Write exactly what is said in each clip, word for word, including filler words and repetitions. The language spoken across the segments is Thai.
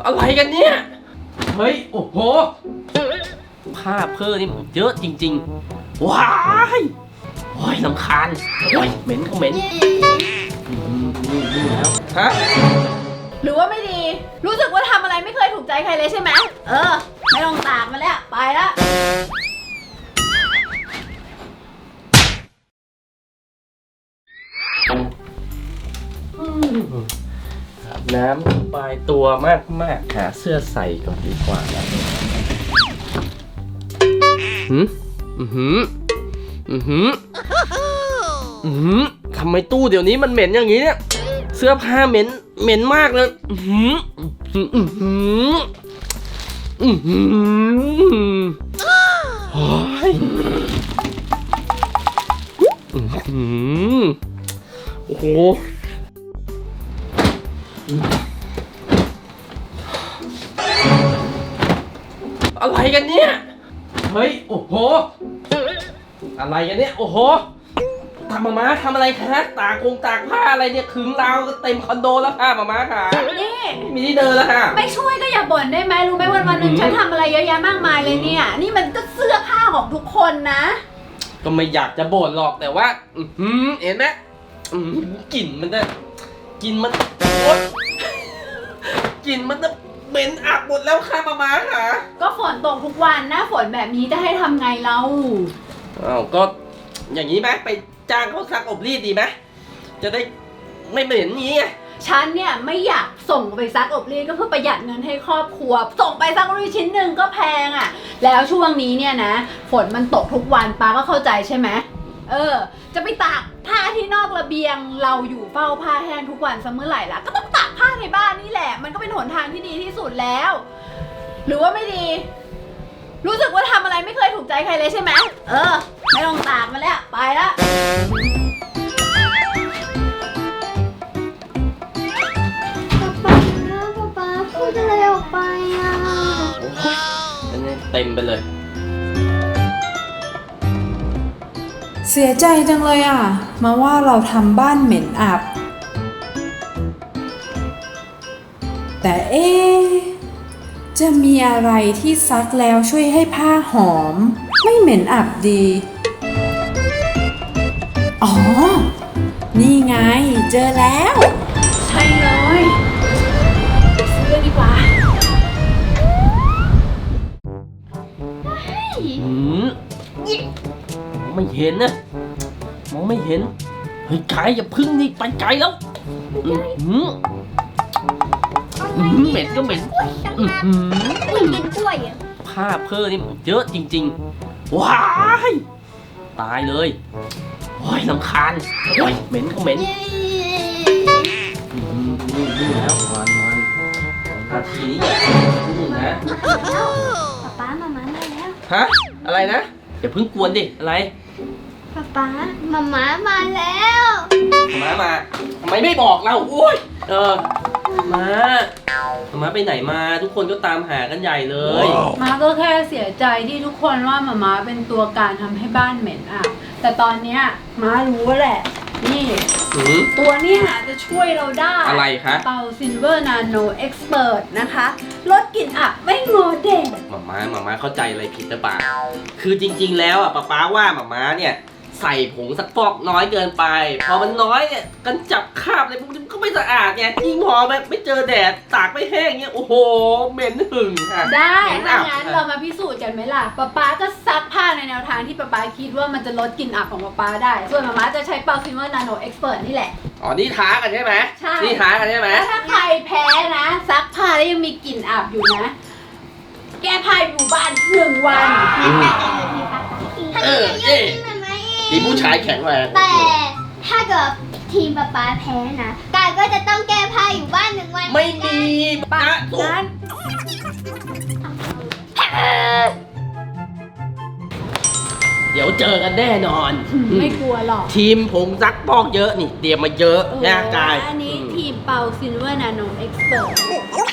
อะไรกันเนี่ยเฮ้ยโอ้โหผ้าเพ้อนี่มันเยอะจริงๆว้ายโอ้ยรำคาญโอ้ยเหม็นก็เหม็นนี่นี่แล้วฮะหรือว่าไม่ดีรู้สึกว่าทำอะไรไม่เคยถูกใจใครเลยใช่ไหมเออไม่ต้องตากมาแล้วไปละอาบน้ำสบายตัวมากมากหาเสื้อใส่ก่อนดีกว่านะหืมอือหืออือหืออือหือทำไมตู้เดี๋ยวนี้มันเหม็นอย่างนี้เนี่ยเสื้อผ้าเหม็นเหม็นมากเลยอือหืออือหืออือหือโอ้ยอือหือโอ้โหอะไรกันเนี่ยเฮ้ยโอ้โหอะไรกันเนี่ยโอ้โหทำมาม้าทำอะไรคะตากคงตากผ้าอะไรเนี่ยขึงราวก็เต็มคอนโดแล้วค่ะมาม้าค่ะนี่มีที่เดินแล้วค่ะไม่ช่วยก็อย่าบ่นได้ไหมรู้ไหมวันวันหนึ่งฉันทำอะไรเยอะแยะมากมายเลยเนี่ยนี่มันก็เสื้อผ้าของทุกคนนะก็ไม่อยากจะบ่นหรอกแต่ว่าอืมเห็นไหมกลิ่นมันเนี่ยกลิ่นมันโอ๊ยกลิ่นมันจะเหม็นอับหมดแล้วค่ะมาม้าค่ะก็ฝนตกทุกวันหน้าฝนแบบนี้จะให้ทำไงเราอ้าวก็อย่างนี้ไหมไปจ้างเขาซักอบรีดดีไหมจะได้ไม่เหม็นนี้ไงฉันเนี่ยไม่อยากส่งไปซักอบรีดก็เพื่อประหยัดเงินให้ครอบครัวส่งไปซักอบรีดชิ้นหนึ่งก็แพงอ่ะแล้วช่วงนี้เนี่ยนะฝนมันตกทุกวันป้าก็เข้าใจใช่ไหมเออจะไปตากผ้าที่นอกระเบียงเราอยู่เฝ้าผ้าแห้งทุกวันซะเมื่อไหร่ล่ะก็ต้องตากผ้าในบ้านนี่แหละมันก็เป็นหนทางที่ดีที่สุดแล้วหรือว่าไม่ดีรู้สึกว่าทำอะไรไม่เคยถูกใจใครเลยใช่ไหมเออไม่ต้องตากมาแล้วไปละป๊าป๊าป๊าพูดอะไรออกไปอ่ะอันนี้เต็มไปเลยเสียใจจังเลยอ่ะมาว่าเราทำบ้านเหม็นอับแต่เอ๊ะจะมีอะไรที่ซักแล้วช่วยให้ผ้าหอมไม่เหม็นอับดีอ๋อนี่ไงเจอแล้วใช่เลยซื้อดีกว่าอืมไม่เห็นนะมองไม่เห็นเฮ้ยไก่อย่าพึ่งนี่ไปไกลแล้วอืมเหม็นก็เหม็นอืมกินกล้วยอ่ะผ้าเพ้อนี่มันเยอะจริงๆว้ายตายเลยโอ้ยรำคาญโอ้ยเหม็นก็เหม็นนี่นี่แล้ววันวันนาทีนี้นี่นะป๊าป๊ามาม่ามาแล้วฮะอะไรนะอย่าเพิ่งกวนดิอะไรป๊าป๊ามาม่ามาแล้วมามาทำไมไม่บอกเราโอ้ยเออมามาไปไหนมาทุกคนก็ตามหากันใหญ่เลยมาก็แค่เสียใจที่ทุกคนว่ามาม่าเป็นตัวการทำให้บ้านเหม็นอ่ะแต่ตอนเนี้ยมารู้แหละนี่ตัวเนี้ยจะช่วยเราได้อะไรคะเป่าซิลเวอร์นาโนเอ็กซ์เพิร์ตนะคะลดกลิ่นอับไม่งอเด็กมาม่ามาม่าเข้าใจอะไรผิดหรือเปล่าคือจริงๆแล้วอ่ะป๊าป๊าว่ามาม่าเนี่ยใส่ผงซักฟอกน้อยเกินไปพอมันน้อยเนี่ยกันจับคราบอะไรพวกนี้ก็ไม่สะอาดไงยิ่งพอแบบไม่เจอแดดตากไม่แห้งเงี้ยโอ้โหเหม็นหึ่งค่ะได้ถ้างั้นเรามาพิสูจน์กันไหมล่ะป๊าป๊าก็ซักผ้าในแนวทางที่ป๊าป๊าคิดว่ามันจะลดกลิ่นอับของป๊าป๊าได้ส่วนมาม่าจะใช้เป่าซิลเวอร์นาโนเอ็กซ์เพิร์ตนี่แหละอ๋อนี่ท้ากันใช่ไหมใช่นี่ท้ากันใช่ไหมถ้าใครแพ้นะซักผ้าแล้วยังมีกลิ่นอับอยู่นะแก้ผ้าอยู่บ้านหนึ่งวันเออเอ๊ะทีมผู้ชายแข็งแรงแต่ถ้าเกิดทีมป๊าป๊าแพ้นะกายก็จะต้องแก้ผ้าอยู่บ้านหนึ่งวันไม่มีป้านั้นเดี๋ยวเจอกันแน่นอนไม่กลัวหรอกทีมผงซักฟอกเยอะนี่เตรียมมาเยอะนะกายอันนี้ทีมเป่าซิลเวอร์นาโนเอ็กซ์เพิร์ต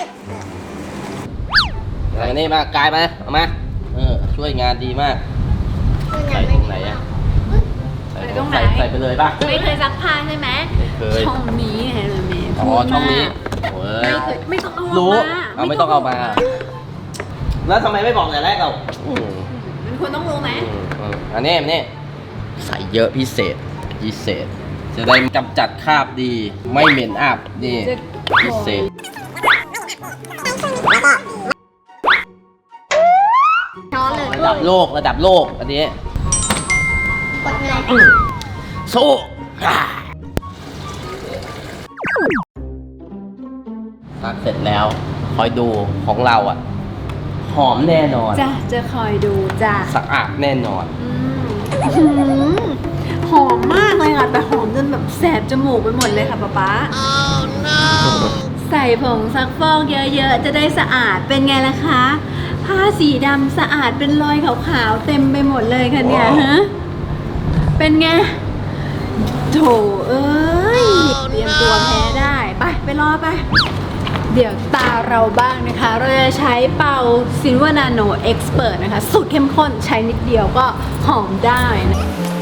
อะไรนี่มากายมาเอามาเออช่วยงานดีมากใส่ตรงไหนอะใส่ตรงไหนใส่ไปเลยป่ะไม่เคยซักผ้าใช่ไหมไม่เคยช่องนี้เห็นไหมอ๋อช่องนี้โอ้ยไม่เคยไม่ต้องเอารู้มาเเอาไม่ต้องเอามา แล้วทำไมไม่บอกแต่แรกเราอืมมันควรต้องรู้ไหมอืมอืมอันนี้อันนี้ใส่เยอะพิเศษพิเศษ จะได้กำจัดคราบดี ไม่เหม็นอับนี่พิเศษช้อนเลยระดับโลกระดับโลกอันนี้กดเลยสู้อ่าตักเสร็จแล้วคอยดูของเราอ่ะ หอมแน่นอนจ้ะจะคอยดูจ้ะสะอาดแน่นอนอืมหอมมากเลยค่ะ แต่หอมจนแบบแสบจมูกไปหมดเลยค่ะป๊าป๊า ใส่ผงซักฟอกเยอะๆ จะได้สะอาดเป็นไงล่ะคะ ผ้าสีดำสะอาดเป็นรอยขาวๆ เต็มไปหมดเลยค่ะเนี่ยฮะ เป็นไง โถเอ้ย เตรียมตัวแพ้ได้ ไป ไปรอไป เดี๋ยวตาเราบ้างนะคะ เราจะใช้เป่า Silver Nano Expert นะคะ สูตรเข้มข้นใช้นิดเดียวก็หอมได้นะ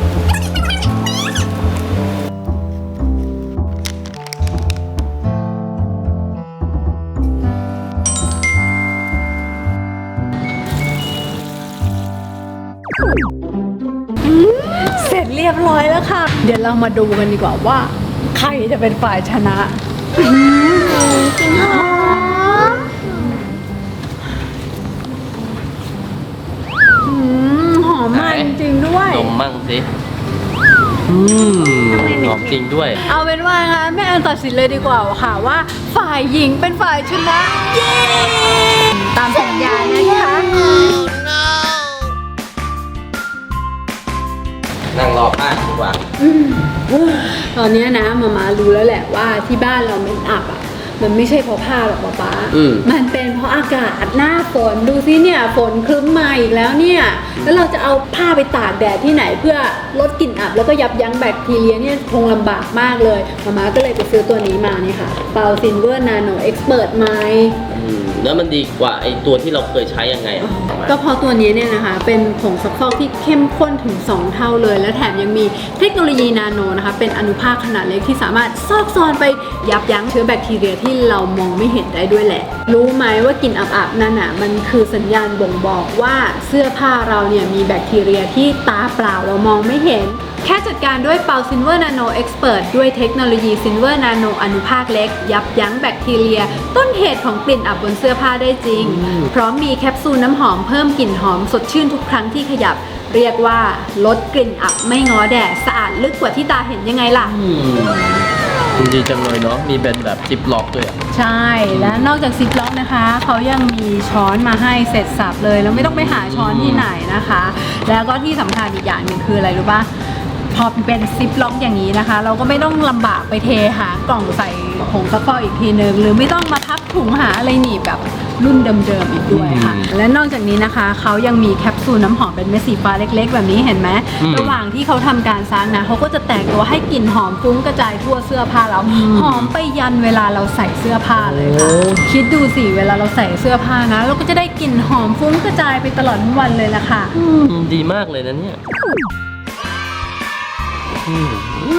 เสร็จเรียบร้อยแล้วค่ะ เดี๋ยวเรามาดูกันดีกว่าว่า ใครจะเป็นฝ่ายชนะกินหอมอืมหอมมากจริงๆด้วยดมมั่งสิ อืมหอมจริงด้วยเอาเป็นว่านะคะแม่แอนตัดสินเลยดีกว่าค่ะว่า ฝ่ายหญิงเป็นฝ่ายชนะ เย้ ตามสัญญานะคะนั่งรอป้าดีกว่าตอนนี้นะมามารู้แล้วแหละว่าที่บ้านเราเมนอับอ่ะ มันไม่ใช่เพราะผ้าหรอกป๊าป๊าอืมมันเป็นเพราะอากาศหน้าฝนดูสิเนี่ยฝนครึ้มมาอีกแล้วเนี่ย แล้วเราจะเอาผ้าไปตากแดดที่ไหนเพื่อลดกลิ่นอับแล้วก็ยับยั้งแบคทีเรียเนี่ยคงลำบากมากเลยมามาก็เลยไปซื้อตัวนี้มานี่ค่ะเปาซินเวอร์นาโนเอ็กซ์เพิร์ไมอืมแล้วมันดีกว่าไอตัวที่เราเคยใช้ยังไงอะก็เพราะตัวนี้เนี่ยนะคะเป็นผงซักฟอกที่เข้มข้นถึงสองเท่าเลย และแถมยังมีเทคโนโลยีนาโนนะคะเป็นอนุภาคขนาดเล็กที่สามารถซอกซอนไปยับยั้งเชื้อแบคทีเรียที่เรามองไม่เห็นได้ด้วยแหละ รู้ไหมว่ากลิ่นอับๆนั่นน่ะมันคือสัญญาณบ่งบอกว่าเสื้อผ้าเราเนี่ยมีแบคทีเรียที่ตาเปล่าเรามองไม่เห็น แค่จัดการด้วยเปาซินเวอร์นาโนเอ็กซ์เพิร์ด้วยเทคโนโลยีซินเวอร์นาโนอนุภาคเล็ก ยับยั้งแบคทีเรีย ต้นเหตุของกลิ่นอับบนเสื้อผ้าได้จริง พร้อมมีแคปซูลน้ำหอมเพิ่มกลิ่นหอมสดชื่นทุกครั้งที่ขยับ เรียกว่าลดกลิ่นอับไม่ง้อแดดสะอาดลึกกว่าที่ตาเห็นยังไงล่ะอืมดีจังเลยเนาะ มีเป็นแบบจิบล็อกด้วยอะใช่ และนอกจากซิปล็อกนะคะ เขายังมีช้อนมาให้เสร็จสับเลย แล้วไม่ต้องไปหาช้อนที่ไหนนะคะ แล้วก็ที่สำคัญอีกอย่างหนึ่งคืออะไรรู้ปะพอเป็นซิปล็อกอย่างนี้นะคะ เราก็ไม่ต้องลำบากไปเทหากล่องใส่ผงซักฟอกอีกทีนึง หรือไม่ต้องมาพับถุงหาอะไรหนีบแบบรุ่นเดิมๆอีกด้วยค่ะ และนอกจากนี้นะคะ เขายังมีแคปซูลน้ำหอมเป็นเม็ดสีฟ้าเล็กๆ แบบนี้เห็นไหมระหว่างที่เขาทำการซักนะเขาก็จะแตกตัวให้กลิ่นหอมฟุ้งกระจายทั่วเสื้อผ้าเราหอมไปยันเวลาเราใส่เสื้อผ้าเลยค่ะ คิดดูสิเวลาเราใส่เสื้อผ้านะ เราก็จะได้กลิ่นหอมฟุ้งกระจายไปตลอดทั้งวันเลยล่ะค่ะอืมดีมากเลยนะเนี่ยอืม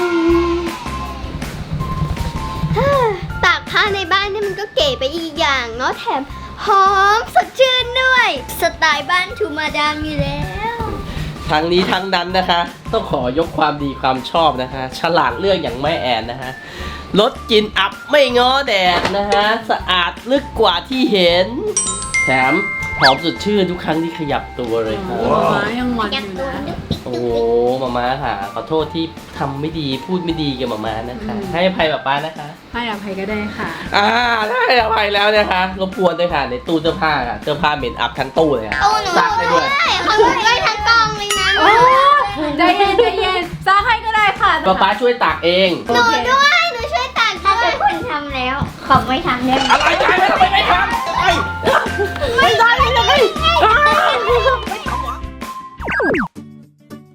ตากผ้าในบ้านนี่มันก็เก๋ไปอีกอย่างเนาะแถมหอมสดชื่นด้วย สไตล์บ้านทูมาดามอยู่แล้วทั้งนี้ทั้งนั้นนะคะ ต้องขอยกความดีความชอบนะคะ ฉลาดเลือกอย่างแม่แอนนะคะลดกลิ่นอับไม่ง้อแดดนะคะสะอาดลึกกว่าที่เห็น แถมหอมสดชื่นทุกครั้งที่ขยับตัวเลยค่ะม้ายังมันยัอก ยู่ตัวนะนึกปิกโอ้โหมาม่าค่ะขอโทษที่ทำไม่ดีพูดไม่ดีกับมาม่านะคะ ให้อภัยแบบป้านะคะให้อภัยก็ได้ค่ะอ่าได้อภัยแล้วนะคะรบกวนด้วยค่ะในตู้เสื้อผ้าค่ะเสื้อผ้าเหม็นอับทั้งตู้เลยค่ะโอ้หนูซักได้ด้วยเขาหนูได้ทั้งกองเลยนะโอ้ใจเย็นใจเย็นซักให้ก็ได้ค่ะป้าป้าช่วยตากเองหนูด้วย หนูช่วยตากถ้าเป็นคนทำแล้ว ขอไม่ทำได้ไหมอะไรใจไม่ทำไมไม่ทำไอ้ไม่ได้เลยเป็น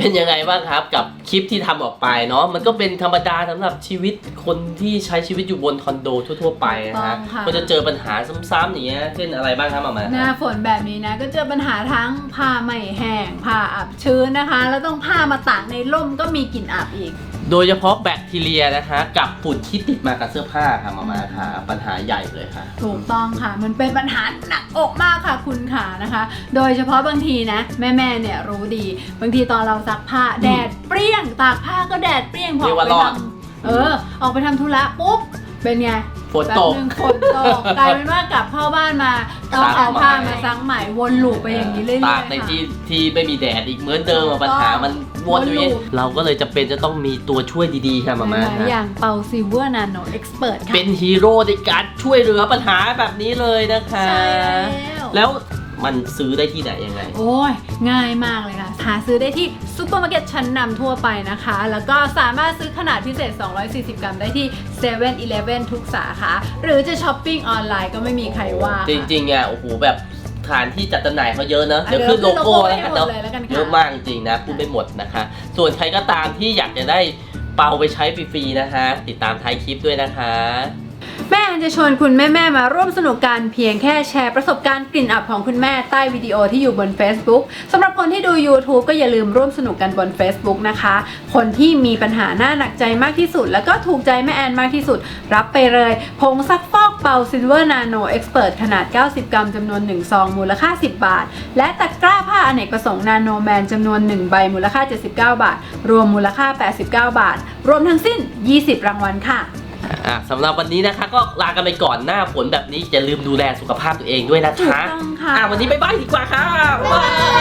เป็นยังไงบ้างครับกับคลิปที่ทำออกไปเนาะมันก็เป็นธรรมดาสำหรับชีวิตคนที่ใช้ชีวิตอยู่บนคอนโดทั่วๆไปนะฮะก็จะเจอปัญหาซ้ำๆอย่างเงี้ยเช่นอะไรบ้างครับมามาหน้าฝนแบบนี้นะก็เจอปัญหาทั้งผ้าไม่แห้งผ้าอับชื้นนะคะ แล้วต้องผ้ามาตากในร่มก็มีกลิ่นอับอีกโดยเฉพาะแบคทีเรียนะคะกับฝุ่นที่ติดมากับเสื้อผ้าค่ะมามาค่ะปัญหาใหญ่เลยค่ะถูกต้องค่ะมันเป็นปัญหาหนักอกมากค่ะคุณขานะคะ โดยเฉพาะบางทีนะแม่ๆเนี่ยรู้ดี บางทีตอนเราซักผ้าแดดเปรี้ยงตากผ้าก็แดดเปรี้ยงพอออกไปทำเออออกไปทำธุระปุ๊บเป็นไงฝนตกแป๊บนึงฝนตกกลายเป็นว่ากลับเข้าบ้านมาต้องเอาผ้ามาซักใหม่วนลูปไปอย่างนี้เรื่อยๆตากในค่ะที่ที่ไม่มีแดดอีกเหมือนเดิมอะปัญหามันวนอยู่อย่างนี้วนลูปเราก็เลยจำเป็นจะต้องมีตัวช่วยดีๆค่ะมามาหลายๆค่ะอย่างเปาซิเวอร์นาโนเอ็กซ์เพรสค่ะเป็นฮีโร่ในการช่วยเหลือปัญหาแบบนี้เลยนะคะใช่แล้วแล้วมันซื้อได้ที่ไหนยังไงโอ้ยง่ายมากเลยค่ะหาซื้อได้ที่ซูเปอร์มาร์เก็ตชั้นนำทั่วไปนะคะ แล้วก็สามารถซื้อขนาดพิเศษ สองร้อยสี่สิบ กรัมได้ที่ เซเว่นอีเลฟเว่น ทุกสาขา หรือจะช้อปปิ้งออนไลน์ก็ไม่มีใครว่าค่ะจริงๆอ่ะโอ้โหแบบฐานที่จัดจำหน่ายเขาเยอะเนอะอ่ะเดี๋ยวขึ้นโลโก้เดี๋แล้ยว วขึ้นโลโก้กันเนาะไว้ให้หมดเลยแล้วกันค่ะเยอะมากจริงๆนะพูดไม่หมดนะคะ ส่วนใครก็ตามที่อยากจะได้เป่าไปใช้ฟรีๆนะคะ ติดตามท้ายคลิปด้วยนะคะแม่แอนจะชวนคุณแม่ๆมาร่วมสนุกกันเพียงแค่แชร์ประสบการณ์กลิ่นอับของคุณแม่ใต้วิดีโอที่อยู่บน Facebook สำหรับคนที่ดู YouTube ก็อย่าลืมร่วมสนุกกันบน Facebook นะคะ คนที่มีปัญหาหน้าหนักใจมากที่สุด แล้วก็ถูกใจแม่แอนมากที่สุด รับไปเลยผงซักฟอกเป่า Silver Nano Expert ขนาด เก้าสิบ กรัมจำนวน หนึ่ง ซองมูลค่า สิบบาท และตะกร้าผ้าอเนกประสงค์ Nano Man จำนวน หนึ่ง ใบมูลค่า เจ็ดสิบเก้า บาท รวมมูลค่า แปดสิบเก้า บาท รวมทั้งสิ้น ยี่สิบ รางวัลค่ะอ่ะสำหรับวันนี้นะคะก็ลากันไปก่อนหน้าฝนแบบนี้อย่าลืมดูแลสุขภาพตัวเองด้วยนะคะถูกต้องค่ะอ่ะวันนี้บ๊ายบายดีกว่าค่ะบ๊ายบาย